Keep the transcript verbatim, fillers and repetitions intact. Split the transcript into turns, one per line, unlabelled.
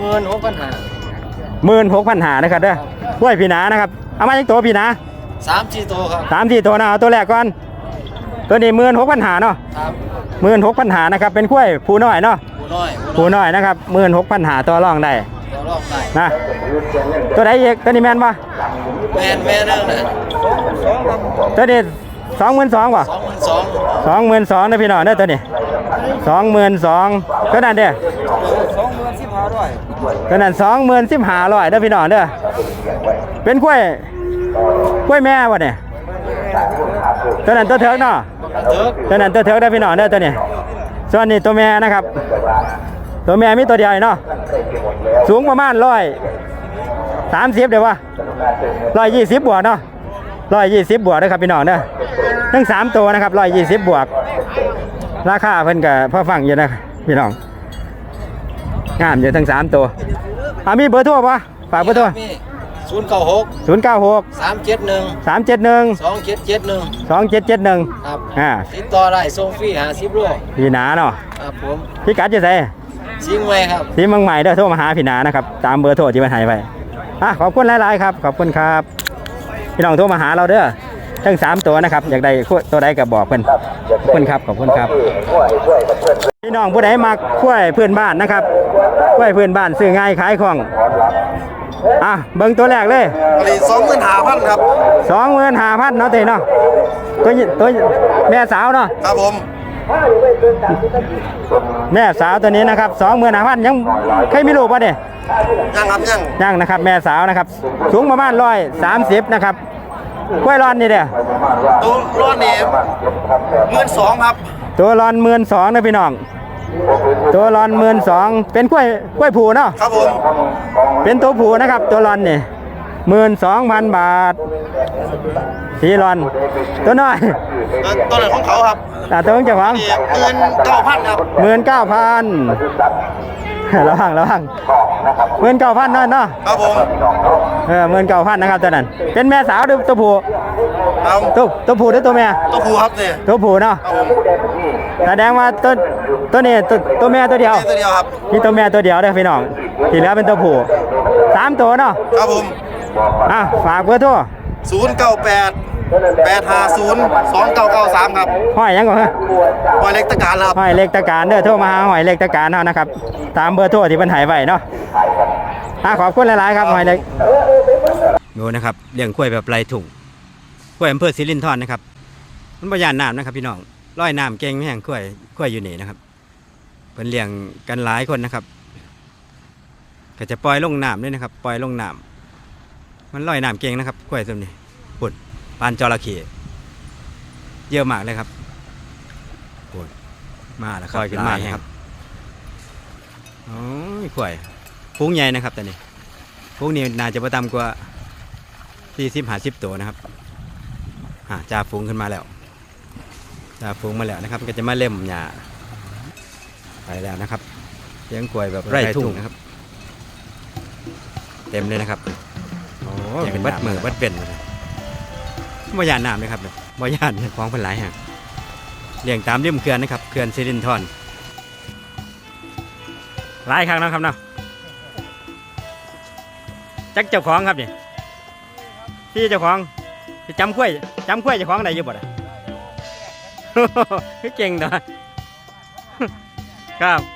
มื่นหกพันห้า
หมื่นหกพันหานะครับเด้อห้วยพี่นานะครับเอามาจากตัวพี่นา
สามสี่ตัวครับ
สามสี่ตัวนะเอาตัวแรกก่อนตัวนี้หมื่นหกพันหาเนาะ
ครับ
หมื่นหกพันหานะครับเป็นกล้วยผูน้อยเนาะ
ผู้น้อย
ผูน้อยนะครับหมื่นหกพันหาตัวรองได้
ตัวรองได้
นะตัวไหนอีกตัวนี้แมนปะ
แมนแมนนั่นนะ
ตัวนี้สองหมื่นสองป่ะ
สองหมื่นสอง
สองหมื่นสองนะพี่น้องเด้อตัวนี้สองหมื่นสองตัวนั้นเด้อ
สองหมื่นสิบห้าร้อย
ตัวนั้นสองหมื่นสิบห้าร้อยเด้อพี่น้องเด้อเป็นกล้วยกล้วยแม่วะเนี่ยตัวนั้นตัวเถิกเนาะตัวนั้นตัวเถิกได้พี่น้องเด้อตัวนี้ส่วนนี้ตัวแม่นะครับตัวแม่มีตัวเดียวเนาะสูงประมาณร้อยสามสิบเดี๋ยววะร้อยยี่สิบบวกเนาะร้อยยี่สิบบวกนะครับพี่น้องเด้อทั้งสามตัวนะครับร้อยยี่สิบบวกราคาเพิ่นกับพ่อฟังอยู่นะพี่น้องงามอยู่ทั้งสามตัวอ่ามีเบอร์โทรปะฝากเบอร์โทร
ศูนย์เก้าหก
ศูนย์เก้าหก
สามเจ็ดหนึ่ง
สามเจ็ดหนึ่ง
สองเจ็ดเจ็ดหนึ่ง
สองเจ็ดเจ็ดหนึ่ง
ครับ
อ่า
ติดต่อได้ส่งฟรีหาสิบโล
พี่นาเนาะ
ครับผม
พี่กัดจะใส่
ซิงไว้ครับ
สีมังใหม่เด้อโทรมาหาพี่นานะครับตามเบอร์โทรที่มันให้ไปอ่ะขอบคุณหลายๆครับขอบคุณครับพี่น้องโทรมาหาเราเด้อทั้งสามตัวนะครับอยากได้ตัวใดก็บอกเพิ่นขอบคุณครับขอบคุณครับพี่น้องผู้ใดมักกล้วยเพื่อนบ้านนะครับกล้วยเพื่อนบ้านซื้อง่ายขายคล่องอ่ะเบิ่งตัวแรกเลย
สองหมื่นห้าพันครับ
สองหมื่นห้าพันเนาะเต้เนาะตัวตัวแม่สาวเนาะ
ครับผม
แม่สาวตัวนี้นะครับสองหมื่นห้าพันยังเคยมีลูกป่ะเนี่ย
ยังครับยัง
ยังนะครับแม่สาวนะครับสูงประมาณร้อยสามสิบนะครับกล้วยร้อนนี่เด้อ
ตัวร้อนนี่หมื่นสองครับ
ตัวร้อนหมื่นสองนะพี่น้องตัวร้อนหมื่นสองเป็นกล้วยกล้วยผูเนาะ
ครับผม
เป็นตัวผูนะครับตัวร้อนนี่หมื่นสองพันบาทสีร้อนตัวน้อย
ตัวไหนของเขาครับ
อ่าตัวของเจ้าของ
หมื่นเก้าพันครับ
หมื่นเก้าพันระวังระวังหมื่นเก้าพันนั่นเนาะ
ครับผม
เออหมื่นเก้าพันนะครับตัวนั้นเป็นแม่สาวหรือตัวผู้ตัวตัวผู้หรือตัวแม่
ตัวผู้ครับเนี่ย
ตัวผู้เนาะแสดงว่าตัวตัวนี้ตัวตัวแม่ตัวเดียว
ตัวเดียวครับ
มีตัวแม่ตัวเดียวเด้อพี่น้องที่เหลือเป็นตัวผู้สามตัวเนาะ
ครับผม
อ่ะฝากเบอร์โทร
ศูนย์เก้าแปดแปดห้าศูนย์สองเก้าเก้าสามครับ
ห้อยยังก่อนฮะ
ห้อยเล็กตะการครับ
ห้อยเล็กตะการเด้อโทรมาหาห้อยเล็กตะการเฮานะครับตามเบอร์โทรที่มันหายไว้เนาะอ่ะขอบคุณหลายๆครับห้อยเล็กดูนะครับเลี้ยงกล้วยแบบไรถุงกล้วยอำเภอสิรินธรนะครับมันบ่ย่านน้ำนะครับพี่น้องร้อยน้ำเก่งแห้งกล้วยกล้วยอยู่นี่นะครับเพิ่นเลี้ยงกันหลายคนนะครับก็จะปล่อยลงน้ำด้วยนะครับปล่อยลงน้ำมันลอยน้ำเก่งนะครับกล้วยตัวนี้ปุ่นปานจระเข้เยอะมากเลยครับปุ่นมาแล้วคอยขึ้นมาครับโอ้ยกล้วยฟุ้งใหญ่นะครับตัวนี้ฟุ้งนี้น่าจะประตามกว่าสี่สิบห้าสิบตัวนะครับอ่าจ่าฟุ้งขึ้นมาแล้วจ่าฟุ้งมาแล้วนะครับก็จะมาเล่มหญ้าไปแล้วนะครับเลี้ยงกล้วยแบบไร่ทุ่งนะครับเต็มเลยนะครับโอ้เป็นวัดมือวัดเป็นเลยบ่ยานน้ำเลยครับบ่ยานของพันหลายแห่งเลี้ยงตามริมเขื่อนนะครับเขื่อนสิรินธรหลายครั้งนะครับเนาะจักเจ้าของครับนี่พี่เจ้าของจำคุ้ยจำคุ้ยเจ้าของไหนอยู่บ่ได้เก่งตัวครับ